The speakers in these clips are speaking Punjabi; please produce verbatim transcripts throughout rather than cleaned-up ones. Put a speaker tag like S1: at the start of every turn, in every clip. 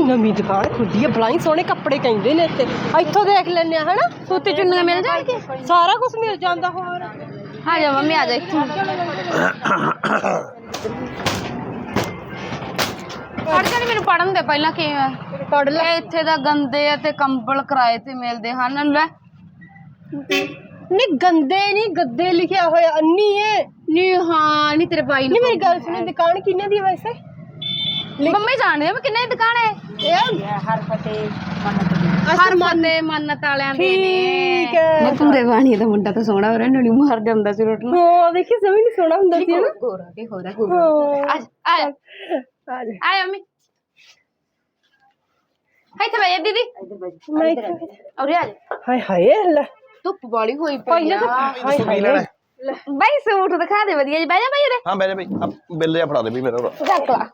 S1: ਨਵੀਂ ਦੁਕਾਨ ਖੁੱਲੀ ਹੈ, ਬਲਾਈ ਸੋਹਣੇ ਕੱਪੜੇ ਕਹਿੰਦੇ ਨੇ ਇੱਥੇ। ਇੱਥੋਂ ਦੇਖ ਲੈਣੇ ਆ ਹਨਾ, ਸੂਤੀ ਚੁੰਨੀਆਂ ਮਿਲ ਜਾਣਗੇ, ਸਾਰਾ ਕੁਝ ਮਿਲ ਜਾਂਦਾ। ਹੋਰ
S2: ਆ ਜਾ ਮੰਮੀ ਆ ਜਾ ਇੱਥੇ ਪੜ ਜਾਣੀ, ਮੈਨੂੰ ਪੜਨ ਦੇ ਪਹਿਲਾਂ ਕਿਵੇਂ ਪੜ ਲੈ। ਇੱਥੇ ਦਾ ਗੰਦੇ ਆ ਤੇ ਕੰਬਲ ਕਿਰਾਏ ਤੇ ਮਿਲਦੇ ਹਨ। ਲੈ
S1: ਨਹੀਂ ਗੰਦੇ ਨਹੀਂ, ਗੱਦੇ ਲਿਖਿਆ ਹੋਇਆ ਅੰਨੀ ਹੈ।
S2: ਨਹੀਂ ਹਾਂ ਨਹੀਂ ਤੇਰੇ ਭਾਈ
S1: ਨਹੀਂ ਮੇਰੀ ਗੱਲ ਸੁਣੀ, ਦੁਕਾਨ ਕਿੰਨੇ ਦੀ ਹੈ ਵੈਸੇ?
S2: ਮੰਮੀ ਜਾਣਦੇ ਆ ਕਿੰਨੇ ਦੀ ਦੁਕਾਨ ਹੈ ਇਹ? ਹਰ ਫਤੇ ਹਰ ਫਤੇ ਮੰਨਤ ਵਾਲਿਆਂ ਦੀ
S1: ਠੀਕ ਹੈ।
S2: ਪੂਰੇ ਬਾਣੀ ਦਾ ਮੁੰਡਾ ਤਾਂ ਸੋਹਣਾ ਹੋ ਰਿਹਾ, ਨਣੀ ਮਾਰ ਜਾਂਦਾ ਸੀ ਰੋਟ ਨੂੰ।
S1: ਹਾਂ ਦੇਖੀ ਸਮਝ ਨਹੀਂ ਸੋਹਣਾ ਹੁੰਦਾ ਸੀ ਨਾ।
S2: ਗੋਰਾ ਕੇ ਹੋ ਰਿਹਾ ਗੋਰਾ। ਆ ਆ
S1: ਆ ਜਾ
S2: ਆ ਮੰਮੀ ਇੱਥੇ ਬੈ ਜਾ ਦੀਦੀ,
S1: ਮੈਂ ਇੱਥੇ
S2: ਔਰੇ ਆ ਜਾ।
S1: ਹਾਏ ਹਾਏ ਲੈ
S2: ਧੁੱਪ ਬਾਲੀ ਹੋਈ ਪਈ
S1: ਪਹਿਲਾਂ
S2: ਆ।
S1: ਤਾਂ ਹਾਏ ਹਾਏ
S2: ਬਾਈ ਸੂਟ ਦਿਖਾ ਦੇ ਵਧੀਆ ਜੀ। ਬਹਿ ਜਾ ਬਾਈ ਉਰੇ।
S3: ਹਾਂ ਬਹਿ ਜਾ ਬਈ, ਆ ਬਿੱਲ ਜਿਹਾ ਫੜਾ ਦੇ ਵੀ ਮੇਰਾ।
S2: ਚੱਕ ਲਾ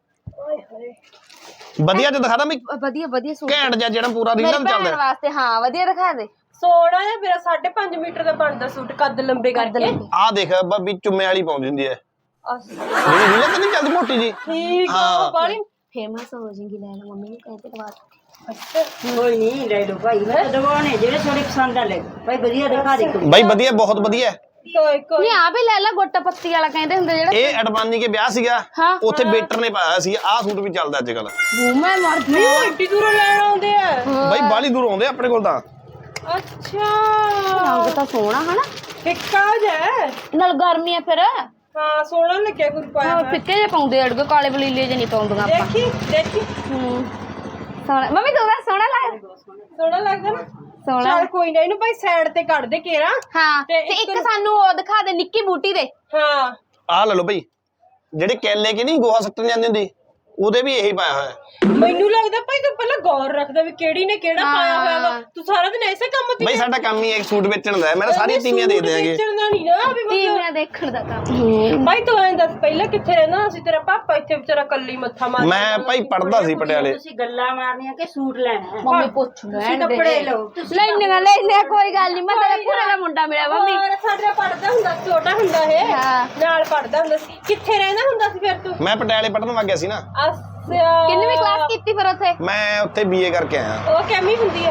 S3: ਵਧੀਆ ਜਿਹਾ ਦਿਖਾ ਦਾਂ ਬਈ,
S2: ਵਧੀਆ ਵਧੀਆ ਸੂਟ
S3: ਘੈਂਟ ਜਿਹਾ ਜਿਹੜਾ ਪੂਰਾ ਰੀਲਾਂ
S2: ਮੇਰੇ
S3: ਚੱਲਦਾ
S2: ਭੈਣ ਵਾਸਤੇ। ਹਾਂ ਵਧੀਆ ਦਿਖਾ ਦੇ।
S1: ਸੋਹਣਾ ਜਿਹਾ ਮੇਰਾ ਸਾਢੇ ਪੰਜ ਮੀਟਰ ਦਾ ਬਣਦਾ ਸੂਟ, ਕੱਦ ਲੰਬੇ ਕਰਕੇ।
S3: ਆ ਦੇਖ ਵੀ ਚੁੰਮੇ ਵਾਲੀ ਪਾਉਂਦੀ ਹੁੰਦੀ ਹੈ ਜਿਹੜੀ ਰੀਲਾਂ ਤੇ ਨਹੀਂ ਚੱਲਦੀ ਮੋਟੀ ਜੀ।
S1: ਠੀਕ ਆ ਬਾਲੀ
S2: ਫੇਮਸ ਹੋ ਜਾਏਗੀ। ਲੈ ਲੈ ਮੰਮੀ ਨੂੰ ਕਹਿੰਦੇ ਦਵਾ।
S4: ਕੋਈ ਨਹੀਂ ਲੈ ਲਓ ਭਾਈ, ਮੈਂ ਦਵਾਉਣੇ ਜਿਹੜੇ ਥੋੜੇ ਪਸੰਦ ਆ ਲੈ ਭਾਈ, ਵਧੀਆ ਦਿਖਾ ਦੇ।
S3: ਬਈ ਵਧੀਆ, ਬਹੁਤ ਵਧੀਆ।
S1: ਕੋਈ ਕੋਈ
S2: ਨਹੀਂ ਆ ਵੀ ਲੈ ਲੈ, ਗੋਟਾ ਪੱਤੀ ਵਾਲਾ ਕਹਿੰਦੇ ਹੁੰਦੇ ਜਿਹੜਾ।
S3: ਇਹ ਅਡਵਾਨੀ ਕੇ ਵਿਆਹ ਸੀਗਾ,
S2: ਹਾਂ।
S3: ਉੱਥੇ ਵੇਟਰ ਨੇ ਪਾਇਆ ਸੀ। ਆਹ ਸੂਟ ਵੀ ਚੱਲਦਾ ਅੱਜ ਕੱਲ।
S2: ਮੈਂ ਮਰ
S1: ਨਹੀਂ ਏਡੀ ਦੂਰੋਂ ਲੈਣ ਆਉਂਦੇ ਆ।
S3: ਬਈ ਬਾਲੀ ਦੂਰ ਆਉਂਦੇ ਆਪਣੇ ਕੋਲ ਤਾਂ।
S1: ਅੱਛਾ
S2: ਰੰਗ ਤਾਂ ਸੋਹਣਾ ਹਨਾ,
S1: ਫਿੱਕਾ ਜਿਹਾ
S2: ਨਾਲ ਗਰਮੀ ਆ ਫਿਰ।
S1: ਹਾਂ ਸੋਹਣਾ ਲੱਗਿਆ ਗੁਰ ਪਾਇਆ ਹੋਇਆ।
S2: ਫਿੱਕੇ ਜੇ ਪਾਉਂਦੇ ਅੜਗੇ, ਕਾਲੇ ਬਲੀਲੇ ਜੇ ਨਹੀਂ ਪਾਉਂਦੀਆਂ ਆਪਾਂ।
S1: ਦੇਖੀ ਦੇਖੀ
S2: ਹੂੰ ਸੋਹਣਾ ਮੰਮੀ ਤੂੰ ਦੱਸ ਸੋਹਣਾ ਲੱਗ
S1: ਸੋਹਣਾ ਲੱਗਦਾ ਨਾ।
S2: ਸੋਹਣਾ।
S1: ਚੱਲ ਕੋਈ ਨਾ, ਇਹਨੂੰ ਭਾਈ ਸਾਈਡ ਤੇ ਕੱਢ ਦੇ ਕੇਰਾ।
S2: ਹਾਂ ਤੇ ਇੱਕ ਸਾਨੂੰ ਉਹ ਦਿਖਾ ਦੇ ਨਿੱਕੀ ਬੂਟੀ ਦੇ।
S1: ਹਾਂ
S3: ਆਹ ਲੈ ਲਓ ਬਈ, ਜਿਹੜੇ ਕੈਲੇ ਕੇ ਨਹੀਂ ਗੋਹਾ ਸੱਟਣ ਜਾਂਦੀ ਹੁੰਦੀ, ਉਹਦੇ ਵੀ ਇਹੀ ਪਾਇਆ ਹੋਇਆ।
S1: ਮੈਨੂੰ ਲੱਗਦਾ ਭਾਈ ਤੂੰ ਪਹਿਲਾਂ ਗੌਰ ਰੱਖਦਾ ਵੀ ਕਿਹੜੀ ਨੇ ਕਿਹੜਾ ਪਾਇਆ ਹੋਇਆ ਵਾ। ਤੂੰ ਸਾਰਾ ਦਿਨ ਐਸੇ ਕੰਮ ਤੇ
S3: ਬਈ ਸਾਡਾ ਕੰਮ ਹੀ ਹੈ ਸੂਟ ਵੇਚਣ ਦਾ। ਮੈਂ ਸਾਰੀਆਂ ਤੀਵੀਆਂ ਦੇ ਦਿਆਂਗੇ।
S1: ਵੇਚਣ ਦਾ ਨਹੀਂ ਨਾ ਵੀ
S2: ਤੀਵੀਆਂ ਦੇਖਣ ਦਾ ਕੰਮ।
S1: ਭਾਈ ਤੂੰ ਐਂ ਦੱਸ ਪਹਿਲਾਂ ਕਿੱਥੇ ਰਹਿੰਦਾ ਸੀ ਤੇਰਾ ਪਾਪਾ? ਇੱਥੇ ਵਿਚਾਰਾ ਕੱਲੀ ਮੱਥਾ ਮਾਰ।
S3: ਮੈਂ ਭਾਈ ਪੜਦਾ ਸੀ ਪਟਿਆਲੇ।
S4: ਤੁਸੀਂ ਗੱਲਾਂ ਮਾਰਨੀਆਂ ਕਿ ਸੂਟ ਲੈਣਾ?
S2: ਮੰਮੀ ਪੁੱਛ ਲੈਣ ਦੇ।
S4: ਕੱਪੜੇ ਲਓ
S2: ਲੈਣੇ ਲੈਣੇ ਕੋਈ ਗੱਲ ਨਹੀਂ। ਮੈਂ ਤੇਰੇ ਪੂਰੇ ਦਾ ਮੁੰਡਾ ਮਿਲਿਆ ਮੰਮੀ।
S1: ਹੋਰ ਸਾਡਾ ਪੜਦਾ ਹੁੰਦਾ ਸੀ, ਛੋਟਾ ਹੁੰਦਾ ਇਹ
S2: ਹਾਂ।
S1: ਨਾਲ ਪੜਦਾ ਹੁੰਦਾ ਸੀ। ਕਿੱਥੇ ਰਹਿੰਦਾ ਹੁੰਦਾ ਸੀ ਫਿਰ ਤੂੰ?
S3: ਮੈਂ ਪਟਿਆਲੇ ਪੜਨ ਵਗ ਗਿਆ ਸੀ ਨਾ।
S1: ਅੱਛਾ
S2: ਕਿੰਨਵੀਂ ਕਲਾਸ ਕੀਤੀ ਫਿਰ ਉੱਥੇ?
S3: ਮੈਂ ਉੱਥੇ ਬੀਏ ਕਰਕੇ ਆਇਆ।
S1: ਉਹ ਕਿਵੇਂ ਹੁੰਦੀ ਹੈ?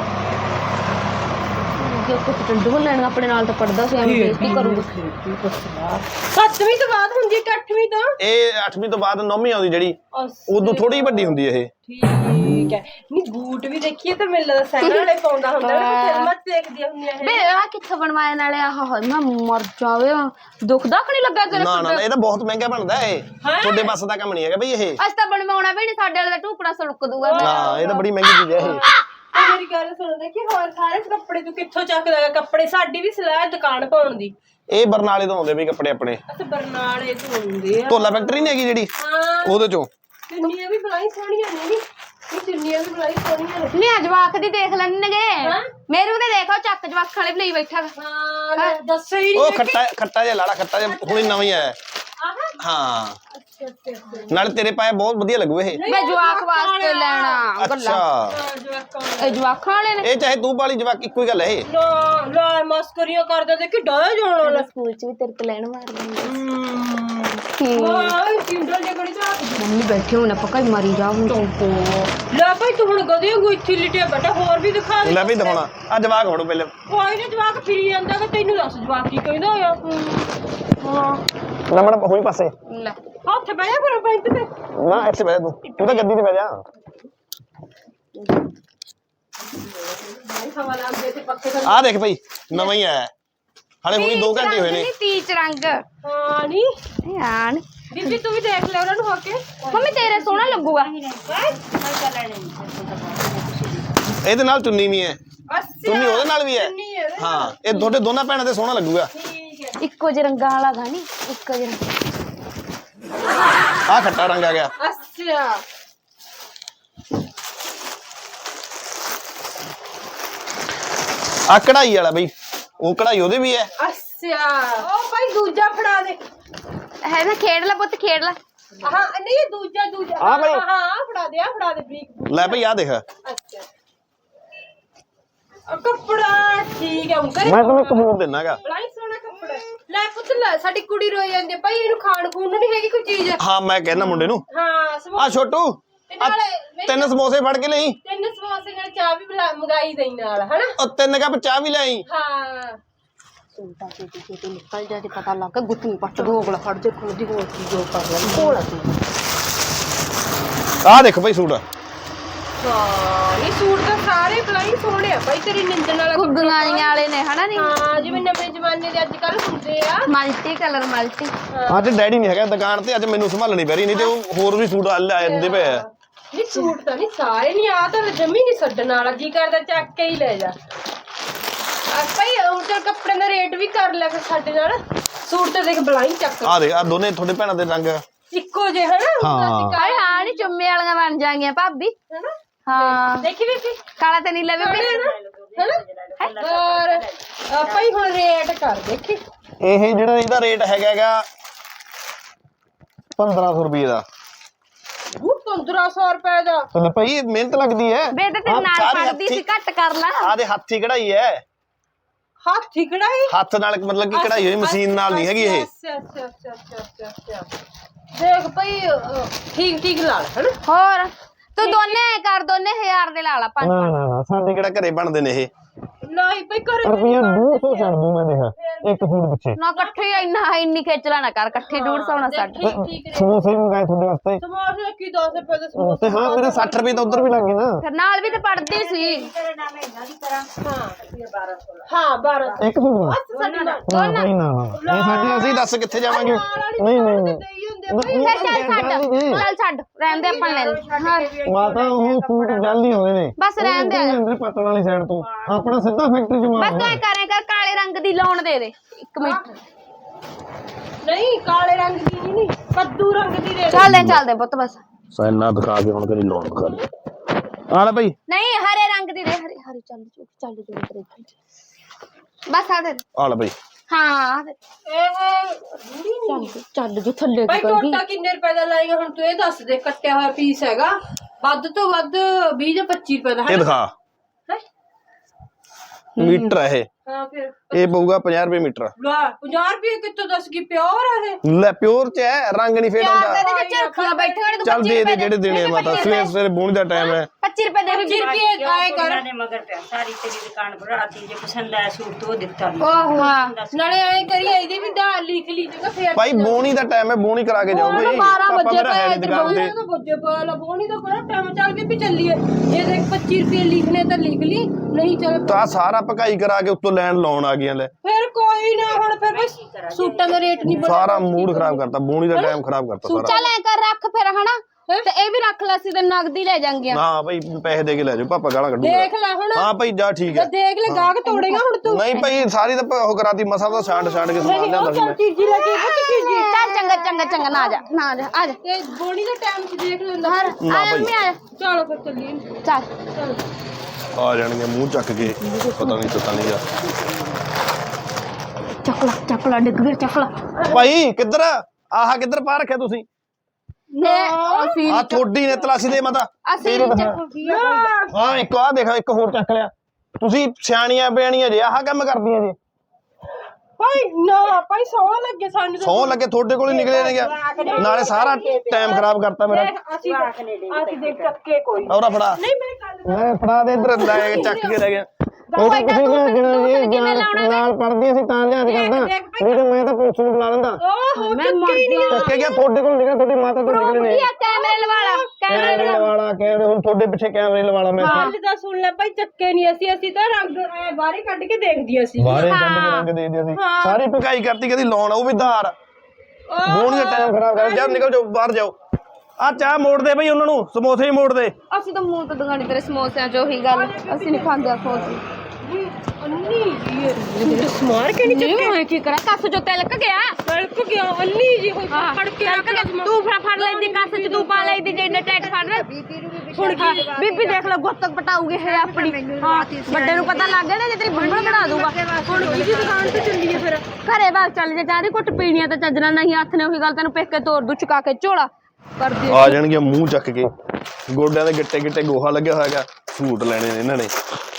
S2: ਜੋ ਕੁਝ ਟੰਡੂ ਲੈਣ ਆਪਣੇ ਨਾਲ ਤਾਂ ਪੜਦਾ ਸੀ, ਐਵੇਂ ਬੇਇੱਜ਼ਤੀ ਕਰੂੰਗਾ।
S1: ਸੱਤਵੀਂ ਤੋਂ ਬਾਅਦ ਹੁੰਦੀ ਹੈ ਕਿ ਅੱਠਵੀਂ ਤੋਂ?
S3: ਇਹ ਅੱਠਵੀਂ ਤੋਂ ਬਾਅਦ ਨੌਵੀਂ ਆਉਂਦੀ ਜਿਹੜੀ, ਉਦੋਂ ਥੋੜੀ ਵੱਡੀ ਹੁੰਦੀ ਇਹ।
S1: ਠੀਕ ਹੈ। ਨਹੀਂ ਬੂਟ ਵੀ ਦੇਖੀਏ ਤਾਂ ਮੈਨੂੰ ਲੱਗਦਾ ਸੈਂਡਲ ਵਾਲੇ ਪਾਉਂਦਾ ਹੁੰਦਾ ਨਾ, ਫਿਲਮਾਂ ਚ ਦੇਖਦੀਆਂ ਹੁੰਦੀਆਂ ਇਹ।
S2: ਬੇ ਆ ਕਿੱਥੇ ਬਣਵਾਏ ਨਾਲੇ? ਆਹ ਹਾਏ ਮੈਂ ਮਰ ਜਾਵੇ, ਦੁਖਦਾ ਕਿ ਨਹੀਂ ਲੱਗਾ ਤੇਰੇ?
S3: ਨਾ ਨਾ ਇਹ ਤਾਂ ਬਹੁਤ ਮਹਿੰਗਾ ਬਣਦਾ ਇਹ। ਤੁਹਾਡੇ ਬੱਸ ਦਾ ਕੰਮ ਨਹੀਂ ਹੈਗਾ ਬਈ ਇਹ।
S2: ਅੱਜ ਤਾਂ ਬਣਵਾਉਣਾ ਵੀ ਨਹੀਂ, ਸਾਡੇ ਵਾਲੇ ਦਾ ਟੁਕੜਾ ਸੜਕ ਦੂਗਾ।
S3: ਹਾਂ ਇਹ ਤਾਂ ਬੜੀ ਮਹਿੰਗੀ ਚੀਜ਼ ਹੈ ਇਹ।
S1: ਤੇ ਮੇਰੀ ਗੱਲ ਸੁਣਦਾ ਕਿ ਹੋਰ ਸਾਰੇ ਕੱਪੜੇ ਤੂੰ ਕਿੱਥੋਂ ਚੱਕਦਾ ਹੈ? ਕੱਪੜੇ ਸਾਡੀ ਵੀ ਸਲਾਹ ਦੁਕਾਨ ਪਾਉਣ ਦੀ।
S3: ਇਹ ਬਰਨਾਲੇ ਤੋਂ ਆਉਂਦੇ ਵੀ ਕੱਪੜੇ ਆਪਣੇ।
S1: ਅੱਛਾ ਬਰਨਾਲੇ ਤੋਂ ਹੁੰਦੇ ਆ।
S3: ਢੋਲਾ ਫੈਕਟਰੀ ਨਹੀਂ ਹੈਗੀ ਜਿਹੜੀ,
S1: ਹਾਂ
S3: ਉਹਦੇ ਚੋਂ।
S1: ਚੁੰਨੀਆਂ ਵੀ ਬਲਾਈ ਸੋਹਣੀਆਂ ਨੇ ਨੀ। ਇਹ ਚੁੰਨੀਆਂ ਵੀ ਬਲਾਈ ਸੋਹਣੀਆਂ ਨੇ।
S2: ਨਹੀਂ ਜਵਾਕ ਦੀ ਦੇਖ ਲੈਣਗੇ। ਮੇਰੇ ਉਹਦੇ ਦੇਖੋ ਚੱਕ ਜਵਾਕ ਵਾਲੇ ਲਈ ਬੈਠਾ।
S1: ਹਾਂ ਦੱਸੋ ਹੀ
S3: ਉਹ ਖੱਟਾ ਖੱਟਾ ਜਿਹਾ ਲਾੜਾ, ਖੱਟਾ ਜਿਹਾ ਹੁਣੇ ਨਵਾਂ ਹੀ ਆਇਆ। ਹਾਂ
S1: ਅੱਛਾ ਅੱਛਾ
S3: ਨਾਲੇ ਤੇਰੇ ਪਾਏ ਬਹੁਤ ਵਧੀਆ ਲੱਗੂ ਇਹ।
S2: ਮੈਂ ਜਵਾਕ ਵਾਸਤੇ ਲੈਣਾ ਗੱਲਾਂ।
S3: ਅੱਛਾ
S2: ਇਹ ਜਵਾਕਾਂ ਵਾਲੇ ਨੇ।
S3: ਇਹ ਚਾਹੇ ਤੂੰ ਪਾਲੀ ਜਵਾਕ ਇੱਕੋ ਹੀ ਗੱਲ ਹੈ ਇਹ।
S1: ਨਾ ਲੈ ਮਸਕਰੀਆਂ ਕਰਦਾ ਤੇ ਕਿ ਡਾਇਆ ਜਾਣ ਵਾਲਾ।
S2: ਸਕੂਲ ਚ ਵੀ ਤੇਰੇ ਤੋਂ ਲੈਣ ਮਾਰ ਲੈਂਦੇ।
S1: ਹਾਂ ਕਿੰਡਲ ਜਗੜੀ ਜਾ
S2: ਮੰਮੀ ਬੈਠੇ ਹੁਣ ਆਪਾਂ ਕਈ ਮਰੀ ਜਾ ਹੁਣ ਤੋਂ।
S1: ਲੈ ਭਾਈ ਤੂੰ ਹੁਣ ਗਧੇ ਵਾਂਗੂ ਇੱਥੇ ਲਿਟਿਆ ਬੈਠਾ, ਹੋਰ ਵੀ ਦਿਖਾ ਦੇ।
S3: ਲੈ ਵੀ ਦਿਖਾਉਣਾ ਆ ਜਵਾਕ ਹੋੜੋ ਪਹਿਲੇ।
S1: ਕੋਈ ਨਾ ਜਵਾਕ ਫਿਰੀ ਜਾਂਦਾ ਕਿ ਤੈਨੂੰ ਦੱਸ ਜਵਾਕ ਕੀ ਕਹਿੰਦਾ ਹੋਇਆ। ਹਾਂ
S3: ਨਮੜ ਹੋਈ ਪਾਸੇ
S2: ਲੈ
S1: ਹੱਥ ਬਹਿ ਜਾ ਫਿਰ ਪੈਂਟ ਤੇ।
S3: ਨਾ ਇੱਥੇ ਬਹਿ ਜਾ ਤੂੰ, ਤੂੰ ਤਾਂ ਗੱਦੀ ਤੇ ਬਹਿ ਜਾ।
S1: ਹਵਾ ਲਾਉਂਦੇ ਤੇ ਪੱਕੇ ਕਰ।
S3: ਆ ਦੇਖ ਭਾਈ ਨਵਾਂ ਹੀ ਆਇਆ, ਹਾਲੇ ਹੁਣੀ ਦੋ ਘੰਟੇ ਹੋਏ ਨੇ।
S2: ਤੀਚ ਰੰਗ
S1: ਹਾਂ ਨੀ
S2: ਯਾਰ
S1: ਬੀਬੀ ਤੂੰ ਵੀ ਦੇਖ ਲੈ ਉਹਨਾਂ ਨੂੰ ਹੋ ਕੇ।
S2: ਮੰਮੀ ਤੇਰੇ ਸੋਹਣਾ ਲੱਗੂਗਾ।
S3: ਇਹਦੇ ਨਾਲ ਚੁੰਨੀ ਵੀ ਹੈ,
S1: ਅੱਛਾ
S3: ਚੁੰਨੀ ਉਹਦੇ ਨਾਲ ਵੀ ਹੈ।
S1: ਚੁੰਨੀ ਹੈ।
S3: ਹਾਂ ਇਹ ਤੁਹਾਡੇ ਦੋਨਾਂ ਭੈਣਾਂ ਤੇ ਸੋਹਣਾ ਲੱਗੂਗਾ।
S1: ਠੀਕ ਹੈ।
S2: ਇੱਕੋ ਜਿਹੇ ਰੰਗਾਂ ਵਾਲਾ ਗਾ ਨੀ, ਇੱਕੋ ਜਿਹੇ ਰੰਗ।
S3: ਆ ਖੱਟਾ ਰੰਗ ਆ ਗਿਆ।
S1: ਅੱਛਾ
S3: ਆ ਕਢਾਈ ਵਾਲਾ ਬਈ, ਉਹ ਕਢਾਈ ਉਹਦੇ ਵੀ ਹੈ।
S1: ਅੱਛਾ ਉਹ ਭਾਈ ਦੂਜਾ ਫੜਾ ਦੇ।
S2: ਹੈ ਨਾ ਖੇਡ ਲੈ ਪੁੱਤ ਖੇਡ ਲੈ।
S1: ਹਾਂ ਨਹੀਂ ਇਹ ਦੂਜਾ ਦੂਜਾ
S3: ਹਾਂ ਭਾਈ।
S1: ਹਾਂ ਫੜਾ ਦੇ ਆ ਫੜਾ ਦੇ ਬਰੀਕ।
S3: ਲੈ ਭਾਈ ਆ ਦੇਖ,
S1: ਅੱਛਾ ਆ ਕੱਪੜਾ ਠੀਕ ਹੈ ਉਂਕਰ
S3: ਮੈਂ ਤੈਨੂੰ ਇੱਕ ਹੋਰ ਦਿੰਨਾਗਾ।
S1: ਬਲਾਈ ਸੋਹਣਾ ਕੱਪੜਾ। ਲੈ ਪੁੱਤ ਲੈ ਸਾਡੀ ਕੁੜੀ ਰੋਈ ਜਾਂਦੀ ਭਾਈ, ਇਹਨੂੰ ਖਾਣ ਖੂਨ ਨੂੰ ਨਹੀਂ ਹੈਗੀ ਕੋਈ ਚੀਜ਼।
S3: ਹਾਂ ਮੈਂ ਕਹਿੰਦਾ ਮੁੰਡੇ ਨੂੰ,
S1: ਹਾਂ
S3: ਆ ਛੋਟੂ
S1: ਤੇ ਨਾਲੇ
S3: ਤਿੰਨ ਸਮੋਸੇ ਫੜ ਕੇ ਲਈ।
S1: ਤਿੰਨ ਸਮੋਸੇ ਨਾਲ ਚਾਹ ਵੀ ਬੁਲਾ- ਮੰਗਾਈ ਦੇਈ ਨਾਲ ਹਨਾ।
S3: ਉਹ ਤਿੰਨ ਕੱਪ ਚਾਹ ਵੀ ਲਈ।
S1: ਹਾਂ ਸੂਟਾ ਤੇ ਤੇ ਤੇ ਨਿਕਲ ਜਾ ਤੇ ਪਤਾ ਲੱਗ ਗੁੱਤਨੀ ਪੱਟ ਦੋ ਅਗਲਾ ਫੜ ਜੇ ਖੁਦ ਦੀ ਹੋਰ ਕੀ ਜੋ ਕਰ ਲੈ ਕੋਲ ਤੂੰ।
S3: ਆਹ ਦੇਖੋ ਭਾਈ ਸੂਟ।
S1: ਹਾਂ ਇਹ ਸੂਟ ਤਾਂ ਸਾਰੇ ਬਲਾਈ ਸੋਹਣੇ ਆ ਭਾਈ ਤੇਰੀ ਨਿੰਦਣ ਵਾਲਾ
S2: ਗੁੱਗਾਈਆਂ ਵਾਲੇ ਨੇ ਹਨਾ ਨੀ
S1: ਹਾਂ ਜਿਵੇਂ ਨਵੇਂ ਜ਼ਮਾਨੇ ਦੇ ਅੱਜ ਕੱਲ ਹੁੰਦੇ ਆ।
S2: Multi colour multi.
S3: ਅੱਜ ਡੈਡੀ ਨਹੀਂ ਹੈਗਾ ਦੁਕਾਨ ਤੇ, ਅੱਜ ਮੈਨੂੰ ਸੰਭਾਲਣੀ ਪੈ ਰਹੀ, ਨਹੀਂ ਤੇ ਉਹ ਹੋਰ ਵੀ ਸੂਟ ਲੈ ਜਾਂਦੇ ਪਏ ਆ।
S1: ਨਹੀਂ ਸੂਟ ਤਾਂ ਨਹੀਂ ਸਾਰੇ ਨਹੀਂ ਆ ਤਾਂ ਜਮੀ ਨਹੀਂ ਛੱਡਣ ਵਾਲਾ ਜੀ ਕਰਦਾ ਚੱਕ ਕੇ ਹੀ ਲੈ ਜਾ। ਆ ਭਾਈ ਹੁਣ ਤੇ ਕੱਪੜੇ ਦਾ ਰੇਟ ਵੀ ਕਰ ਲੈ ਫਿਰ ਸਾਡੇ ਨਾਲ। ਸੂਟ ਤੇ ਦੇਖ ਬਲਾਈ ਚੱਕ
S3: ਆਹ ਦੇਖ ਆ ਦੋਨੇ ਤੁਹਾਡੇ ਭੈਣਾਂ ਦੇ ਰੰਗ
S1: ਇੱਕੋ ਜਿਹੇ ਹਨਾ।
S3: ਹਾਂ।
S2: ਹਾਏ ਹਾਂ ਨੀ ਚੁੰਮੇ ਵਾਲੀਆਂ ਬਣ ਜਾਣਗੀਆਂ ਭਾਬੀ
S1: ਹਨਾ
S2: ਹਾਂ।
S1: ਦੇਖੀ ਵੀ
S2: ਕਾਲਾ ਤੇ ਨੀਲਾ ਵੀ
S1: ਹਨਾ ਔਰ ਆਪਾਂ ਹੀ ਹੁਣ ਰੇਟ ਕਰ ਦੇਖੀ।
S3: ਇਹ ਜਿਹੜਾ ਇਹਦਾ ਰੇਟ ਹੈਗਾ ਹੈਗਾ ਪੰਦਰਾਂ ਸੌ ਰੁਪਏ ਦਾ।
S1: ਉਹ ਪੰਦਰਾਂ ਸੌ ਰੁਪਏ ਦਾ।
S3: ਚਲ ਭਾਈ ਮਿਹਨਤ ਲੱਗਦੀ ਹੈ।
S2: ਬੇਟੇ ਤੇ ਨਾਲ ਪੜਦੀ ਸੀ ਘੱਟ ਕਰ ਲਾ।
S3: ਆਹ ਦੇ ਹੱਥੀ ਕਢਾਈ ਹੈ।
S1: ਹੱਥੀ ਕਢਾਈ
S3: ਹੱਥ ਨਾਲ ਮਤਲਬ ਕਿ ਕਢਾਈ ਹੋਈ ਮਸ਼ੀਨ ਨਾਲ ਨਹੀਂ ਹੈਗੀ ਇਹ।
S1: ਅੱਛਾ ਅੱਛਾ ਅੱਛਾ ਅੱਛਾ ਅੱਛਾ ਦੇਖ ਭਾਈ ਠੀਕ ਠੀਕ ਲਾ ਲੈ ਹਨਾ।
S2: ਹੋਰ ਤੂੰ ਦੋਨੇ ਕਰ ਦੋਨੇ ਹਜ਼ਾਰ ਦੇ ਲਾ ਲਾ ਪੰਜ।
S3: ਨਾ ਨਾ ਨਾ ਸਾਡੇ ਕਿਹੜਾ ਘਰੇ ਬਣਦੇ ਨੇ ਇਹ।
S1: ਨਹੀਂ ਭਾਈ ਕਰੇ
S3: ਰੁਪਈਆ ਦੋ ਸੌ ਛੱਡ ਦੂੰ ਮੈਂ ਦੇਖਾ ਇੱਕ ਸੂਟ ਪਿੱਛੇ।
S2: ਨਾ ਇਕੱਠੇ ਇੰਨਾ ਇੰਨੀ ਖੇਚਲਾ ਨਾ ਕਰ ਇਕੱਠੇ ਡੂਢ ਸੌ ਨਾ ਛੱਡ।
S1: ਠੀਕ ਠੀਕ ਰੇਟ।
S3: ਸਮੋਸੇ ਮੰਗਾਏ ਤੁਹਾਡੇ ਵਾਸਤੇ।
S1: ਸਮੋਸੇ ਕੀ ਦਸ ਰੁਪਏ ਦੇ ਸਮੋਸੇ।
S3: ਤੇ ਹਾਂ ਮੇਰੇ ਸੱਠ ਰੁਪਏ ਤਾਂ ਉਧਰ ਵੀ ਲੱਗ ਗਏ ਨਾ।
S2: ਫਿਰ ਨਾਲ ਵੀ ਤੇ ਪੜਦੀ ਸੀ।
S1: ਹਾਂ ਬਾਰਾਂ
S3: ਇੱਕ ਸੂਟ ਦਾ
S1: ਸਾਡੀ ਨਾਲ
S3: ਨਾ ਭਾਈ ਨਾ ਨਾ ਇਹ ਸਾਡੇ ਅਸੀਂ ਦੱਸ ਕਿੱਥੇ ਜਾਵਾਂਗੇ। ਨਹੀਂ ਨਹੀਂ ਨਹੀਂ
S1: ਦੇਈ ਹੁੰਦੇ ਆ ਭਾਈ।
S2: ਚੱਲ ਛੱਡ ਚੱਲ ਛੱਡ ਰਹਿਣ ਦੇ ਆਪਾਂ ਲੈ ਲੈ।
S3: ਮਾਤਾ ਉਹ ਸੂਟ ਜਲਦੀ ਹੋਏ ਨੇ।
S2: ਬਸ ਰਹਿਣ ਦੇ
S3: ਅੰਦਰ ਪੱਟਣ ਵਾਲੀ ਸਾਈਡ ਤੋਂ ਆਪਣਾ ਸਿੱਧਾ ਫੈਕਟਰੀ ਚ ਮਾਰ।
S2: ਬਸ ਤੂੰ ਐ ਕਰੇ ਕਰ ਕਾਲੇ ਰੰਗ ਦੀ ਲਾਉਣ ਦੇ ਦੇ ਇੱਕ ਮਿੰਟ।
S1: ਨਹੀਂ ਕਾਲੇ ਰੰਗ ਦੀ ਨਹੀਂ ਕੱਦੂ ਰੰਗ ਦੀ ਦੇ।
S2: ਚੱਲਦੇ ਚੱਲਦੇ ਪੁੱਤ ਬਸ।
S3: ਸਾਇਨਾ ਦਿਖਾ ਕੇ ਹੁਣ ਕਰੀ ਲੋਨ ਕਰ ਦੇ। ਆ ਲੈ ਭਾਈ
S2: ਨਹੀਂ ਹਰੇ ਰੰਗ ਦੀ ਦੇ ਹਰੇ ਹਰੇ ਚੱਲ ਚੁੱਕ ਚੱਲ ਜੂ ਤੇਰੇ ਬਸ ਆ ਦੇ
S3: ਆ ਲੈ ਭਾਈ।
S2: ਹਾਂ
S1: ਇਹ
S2: ਚੱਲ ਚੱਲ ਜੋ ਥੱਲੇ
S1: ਭਾਈ ਟੋਟਾ ਕਿੰਨੇ ਰੁਪਏ ਦਾ ਲਾਏਗਾ ਹੁਣ ਤੂੰ ਇਹ ਦੱਸ ਦੇ। ਕੱਟਿਆ ਹੋਇਆ ਪੀਸ ਹੈਗਾ ਵੱਧ ਤੋਂ ਵੱਧ ਵੀਹ ਜਾਂ ਪੱਚੀ ਰੁਪਏ ਦਾ
S3: ਇਹ ਦਿਖਾ
S1: ਹੈ।
S3: ਮੀਟਰ ਹੈ ਇਹ।
S1: ਹਾਂ ਫਿਰ
S3: ਇਹ ਪਊਗਾ ਪੰਜਾਹ ਰੁਪਏ ਮੀਟਰ।
S1: ਲਾ ਪੰਜਾਹ ਰੁਪਏ ਕਿੱਥੋਂ ਦੱਸ ਕੀ ਪਿਓਰ ਆ ਇਹ।
S3: ਲੈ ਪਿਓਰ ਚ ਹੈ ਰੰਗ ਨਹੀਂ ਫੇਡ ਹੁੰਦਾ।
S2: ਤੇ ਝਰਖੀਆਂ ਬੈਠੇ ਹੋਣੇ ਤੂੰ
S3: ਚੱਲ ਦੇ ਦੇ ਜਿਹੜੇ ਦੇਣੇ ਮਾਤਾ ਸਵੇਰ ਸਵੇਰੇ ਬੂਣ ਦਾ ਟਾਈਮ ਹੈ।
S2: ਪੱਚੀ ਰੁਪਏ ਦੇ
S1: ਪੱਚੀ ਰੁਪਏ ਆਏ ਕਰ
S4: ਉਹਨਾਂ ਨੇ ਮਗਰ ਪਿਆ ਸਾਰੀ ਤੇਰੀ ਦੁਕਾਨ ਭਰਾਤੀ ਜੇ ਪਸੰਦ ਆਇਆ ਸੂਟ ਤੋਂ ਉਹ ਦਿੱਤਾ ਨਹੀਂ।
S2: ਓਹ ਹਾਂ
S1: ਨਾਲੇ ਐ ਕਰੀ ਇਹਦੀ ਵੀ ਦਾ ਲਿਖ ਲਈ ਜਗਾ ਫੇਰ
S3: ਭਾਈ ਬੋਣੀ ਦਾ ਟਾਈਮ ਹੈ ਬੋਣੀ ਕਰਾ ਕੇ ਜਾਓ ਭਾਈ।
S1: ਬਾਰਾਂ
S3: ਪਾਪਾ
S1: ਵਜੇ
S3: ਮੇਰਾ ਹੈ ਨੀ
S1: ਪਏ
S3: ਦੁਕਾਨ ਤੇ।
S1: ਤੇ ਵਜੇ ਪਏ ਲਾ ਬੋਣੀ ਦਾ ਬੜਾ ਟਾਈਮ ਚੱਲ ਵੀ ਚੱਲੀਏ। ਇਹ ਦੇਖ ਪੱਚੀ ਰੁਪਏ ਲਿਖਨੇ ਤਾਂ ਲਿਖ ਲਈ ਨਹੀਂ ਚੱਲ
S3: ਤਾਂ ਸਾਰਾ ਪਕਾਈ ਕਰਾ ਕੇ ਉੱਤੋਂ ਲੈਣ ਲਾਉਣ ਆ ਗਈਆਂ ਲੈ।
S1: ਫਿਰ ਕੋਈ ਨਾ ਹੁਣ ਫਿਰ ਬਸ ਸੂਟਾਂ ਦਾ ਰੇਟ ਨਹੀਂ
S3: ਸਾਰਾ ਮੂਡ ਖਰਾਬ ਕਰਤਾ ਬੋਣੀ ਦਾ ਟਾਈਮ ਖਰਾਬ ਕਰਤਾ ਸਾਰਾ।
S2: ਚੱਲ ਐ ਕਰ ਰੱਖ ਫਿਰ ਹਨਾ ਤੇ ਇਹ ਵੀ ਰੱਖ ਲੈ ਸੀ ਤੇ ਨਗਦੀ ਲੈ ਜਾਾਂਗੇ।
S3: ਨਾ ਭਾਈ ਪੈਸੇ ਦੇ ਕੇ ਲੈ ਜਾਓ ਪਾਪਾ ਗਾਲਾਂ ਕੱਢੂਗਾ।
S1: ਦੇਖ ਲੈ ਹੁਣ
S3: ਹਾਂ ਭਾਈ ਜਾ ਠੀਕ ਹੈ।
S1: ਦੇਖ ਲੈ ਗਾਹਕ ਤੋੜੇਗਾ ਹੁਣ ਤੂੰ।
S3: ਨਹੀਂ ਭਾਈ ਸਾਰੀ ਤਾਂ ਉਹ ਕਰਾਤੀ ਮਸਾ ਤਾਂ ਛਾਂਟ ਛਾਂਟ ਕੇ ਸਮਾਨ ਲਿਆਂਦਾ ਸੀ ਮੈਂ।
S1: ਚੀਜ਼ੀ ਲੈ ਕੇ ਬੱਚ ਚੀਜ਼ੀ
S2: ਚੱਲ ਚੰਗਾ ਚੰਗਾ ਚੰਗਾ ਨਾ ਜਾ ਨਾ ਜਾ ਆ ਜਾ
S1: ਤੇ ਬੋਣੀ ਦਾ ਟਾਈਮ ਚ ਦੇਖ ਲੈਂਦਾ।
S2: ਹਰ
S3: ਨਾ
S2: ਆ
S3: ਭਾਈ।
S2: ਮੈਂ ਆ
S1: ਚਲੋ ਫਿਰ ਚੱਲੀਏ
S2: ਚੱਲ
S1: ਚਲੋ।
S3: ਆ ਜਾਣਗੇ ਮੂੰਹ ਚੱਕ ਕੇ ਪਤਾ ਨਹੀਂ ਪਤਾ ਨਹੀਂ ਯਾਰ।
S2: ਚੱਕਲਾ ਚੱਕਲਾ ਡਿੱਗ ਗਿਆ ਚੱਕਲਾ।
S3: ਭਾਈ ਕਿੱਧਰ ਆਹ ਕਿੱਧਰ ਪਾ ਰੱਖਿਆ ਤੁਸੀਂ?
S2: ਨੇ ਅਸੀਂ
S3: ਆ ਥੋੜੀ ਨੇ ਤਲਾਸ਼ੀ ਦੇ ਮਾਤਾ।
S2: ਅਸੀਂ
S3: ਹਾਂ ਇੱਕ ਆ ਦੇਖ ਇੱਕ ਹੋਰ ਚੱਕ ਲਿਆ। ਤੁਸੀਂ ਸਿਆਣੀਆਂ ਬਿਆਣੀਆਂ ਜੇ ਆਹ ਕੰਮ ਕਰਦੀਆਂ ਜੇ।
S1: ਭਾਈ ਨਾ ਭਾਈ ਸੌ ਲੱਗੇ ਸਾਨੂੰ ਤਾਂ।
S3: ਸੌ ਲੱਗੇ ਤੁਹਾਡੇ ਕੋਲ ਹੀ ਨਿਕਲੇ ਨੇ ਗਿਆ ਨਾਲੇ ਸਾਰਾ ਟਾਈਮ ਖਰਾਬ ਕਰਤਾ ਮੇਰਾ।
S1: ਅਸੀਂ ਅਸੀਂ ਦੇਖ ਚੱਕੇ ਕੋਈ
S3: ਔਰਾ ਫੜਾ
S1: ਨਹੀਂ ਮੈਂ ਕੱਲ
S3: ਮੈਂ ਫੜਾ ਦੇ ਇਧਰ ਲੈ ਕੇ ਚੱਕ ਕੇ ਲੈ ਗਿਆ। ਉਹ ਤਾਂ ਕਿਸੇ ਨਾਲ ਜਿਹੜਾ ਨਾਲ ਪੜਦੀ ਸੀ ਤਾਂ ਲਿਆਦ ਕਰਦਾ ਨਹੀਂ ਤਾਂ ਮੈਂ ਤਾਂ ਪੁਲਿਸ ਨੂੰ ਬੁਲਾ ਲੈਂਦਾ।
S1: ਓਹ ਮੈਂ ਮਰ ਗਿਆ।
S3: ਚੱਕੇ ਗਿਆ ਤੁਹਾਡੇ ਕੋਲ ਨਿਕਲੇ ਤੁਹਾਡੀ ਮਾਤਾ ਤੋਂ ਨਿਕਲੇ ਨੇ।
S2: ਕੈਮਰੇ ਲਵਾ ਲਾ
S3: ਕੈਮਰੇ ਲਵਾਲਾ ਕੈਮਰੇ ਹੁਣ ਤੁਹਾਡੇ ਪਿੱਛੇ ਕੈਮਰੇ ਲਵਾਲਾ ਮੈਂ।
S1: ਗੱਲ ਦਾ ਸੁਣ ਲੈ ਭਾਈ ਚੱਕੇ ਨਹੀਂ ਅਸੀਂ ਅਸੀਂ ਤਾਂ ਰੰਗ ਐ ਬਾਹਰ ਕੱਢ ਕੇ ਦੇਖਦੀਆਂ ਸੀ।
S3: ਬਾਹਰੇ ਕੱਢ ਕੇ ਰੰਗ ਦੇ ਦਿਆ ਸੀ ਸਾਰੀ ਪਕਾਈ ਕਰਤੀ ਕਦੀ ਲਾਉਣ ਉਹ ਵੀ ਧਾਰ ਬੋਣ ਦਾ ਟਾਈਮ ਖਰਾਬ ਕਰ ਜਾ ਨਿਕਲ ਜਾਓ ਬਾਹਰ ਜਾਓ। ਆ ਚਾਹ ਮੋੜ ਦੇ ਬਈ ਉਹਨਾਂ ਨੂੰ ਸਮੋਸੇ ਹੀ ਮੋੜ ਦੇ।
S2: ਅਸੀਂ ਤਾਂ ਮੂੰਹ ਤੋਂ ਦੁਕਾਨੀ ਤੇਰੇ ਸਮੋਸਿਆਂ ਚ ਉਹੀ ਗੱਲ ਅਸੀਂ ਨਹੀਂ ਖਾਂਦੇ ਆ ਖੋਸ
S1: ਅੰਨੀ ਜੀ ਇਹ ਸਮਾਰ ਕੇ ਨਹੀਂ
S2: ਨਹੀਂ ਹੋਏ ਕੀ ਕਰਾਂ ਕੱਸ ਚੋਂ ਤਿਲਕ ਗਿਆ
S1: ਸੜਕ ਗਿਆ ਅੰਨੀ ਜੀ ਹੋਈ ਫੜ ਕੇ ਰੱਖ ਲੈ
S2: ਤੂੰ ਫੜ ਫੜ ਲੈਂਦੀ ਕੱਸ ਚ ਤੂੰ ਪਾ ਲੈਂਦੀ ਜੇ ਇੰਨੇ ਟਾਈਟ ਫੜ ਹੁਣ ਬੀਬੀ ਦੇਖ ਲੈ ਗੁੱਤਕ ਪਟਾਉਗੀ ਹੈ ਆਪਣੀ ਹਾਂ ਵੱਡੇ ਨੂੰ ਪਤਾ ਲੱਗ ਗਿਆ ਨਾ ਜੇ ਤੇਰੀ ਬੰਬਲ ਬਣਾ ਦੂਗਾ।
S1: ਹੁਣ ਕਿਹਦੀ ਦੁਕਾਨ ਤੇ ਚੱਲੀਏ ਫਿਰ?
S2: ਘਰੇ ਬਾਗ ਚੱਲ ਜੇ ਚਾਹ ਦੀ ਘੁੱਟ ਪੀਣੀ ਆ ਤਾਂ ਚੱਜਣਾ ਨਹੀਂ ਹੱਥ ਨੇ ਉਹੀ ਗੱਲ ਤੈਨੂੰ ਪਿੱਕ ਕੇ ਤੋੜ ਦੂ ਚੁਕਾ ਕੇ ਝੋਲਾ ਕਰ ਦੇ।
S3: ਆ ਜਾਣਗੇ ਮੂੰਹ ਚੱਕ ਕੇ ਗੋਡਿਆਂ ਦੇ ਗਿੱਟੇ ਗਿੱਟੇ ਗੋਹਾ ਲੱਗਿਆ ਹੋਇਆਗਾ ਸੂਟ ਲੈਣੇ ਨੇ ਇਹਨਾਂ ਨੇ।